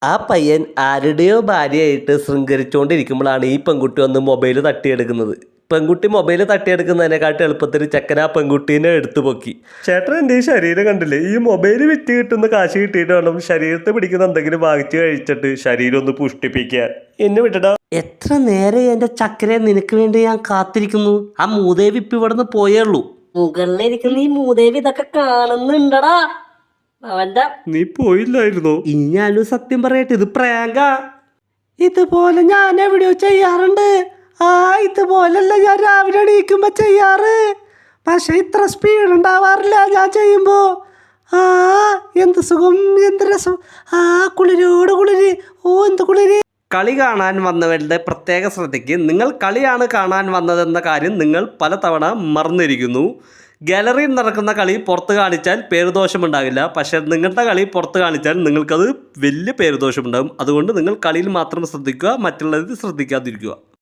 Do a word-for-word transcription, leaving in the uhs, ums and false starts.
ആ പയ്യൻ ആരുടെയോ ഭാര്യയായിട്ട് ശൃംഗരിച്ചുകൊണ്ടിരിക്കുമ്പോഴാണ് ഈ പെൺകുട്ടി വന്ന് മൊബൈൽ തട്ടിയെടുക്കുന്നത്. പെൺകുട്ടി മൊബൈൽ തട്ടിയെടുക്കുന്നതിനെക്കാട്ടും എളുപ്പത്തിൽ ചെക്കൻ ആ പെൺകുട്ടീനെ എടുത്തു പൊക്കി. ചേട്ടൻ എൻ്റെ ഈ ശരീരം കണ്ടില്ലേ, ഈ മൊബൈൽ വിറ്റ് കിട്ടുന്ന കാശ് കിട്ടിയിട്ട് വേണം ശരീരത്തെ പിടിക്കുന്ന എന്തെങ്കിലും വാങ്ങിച്ച് കഴിച്ചിട്ട് ശരീരം ഒന്ന് പുഷ്ടിപ്പിക്കാൻ. എന്നെ വിട്ടടാ. എത്ര നേരെ എൻ്റെ ചക്കരെ നിനക്ക് വേണ്ടി ഞാൻ കാത്തിരിക്കുന്നു. ആ മൂദേവി ഇപ്പം ഇവിടെ നിന്ന് പോയേ ഉള്ളൂ. മുകളിലിരിക്കുന്ന ഈ മൂദേവി ഇതൊക്കെ കാണുന്നുണ്ടടാ. അവന്റെ നീ പോയില്ലായിരുന്നോ? ഇനി ഞാനും സത്യം പറയട്ടെ, ഇത് പ്രാങ്കാ. ഇതുപോലെ ഞാൻ എവിടെയോ ചെയ്യാറുണ്ട്. ആ ഇതുപോലല്ല ഞാൻ രാവിലെ എണീക്കുമ്പോ ചെയ്യാറ്. പക്ഷെ ഇത്ര സ്പീഡ് ഉണ്ടാവാറില്ല ഞാൻ ചെയ്യുമ്പോ. ആ എന്ത് സുഖം, എന്ത് രസം. ആ കുളിരോട് കുളിര്. ഓ എന്ത് കുളിര്. കളി കാണാൻ വന്നവരുടെ പ്രത്യേക ശ്രദ്ധയ്ക്ക്, നിങ്ങൾ കളിയാണ് കാണാൻ വന്നതെന്ന കാര്യം നിങ്ങൾ പലതവണ മറന്നിരിക്കുന്നു. ഗാലറിയിൽ നടക്കുന്ന കളി പുറത്ത് കാണിച്ചാൽ പേരുദോഷമുണ്ടാകില്ല. പക്ഷേ നിങ്ങളുടെ കളി പുറത്ത് കാണിച്ചാൽ നിങ്ങൾക്കത് വലിയ പേരുദോഷമുണ്ടാകും. അതുകൊണ്ട് നിങ്ങൾ കളിയിൽ മാത്രം ശ്രദ്ധിക്കുക, മറ്റുള്ളവർ ശ്രദ്ധിക്കാതിരിക്കുക.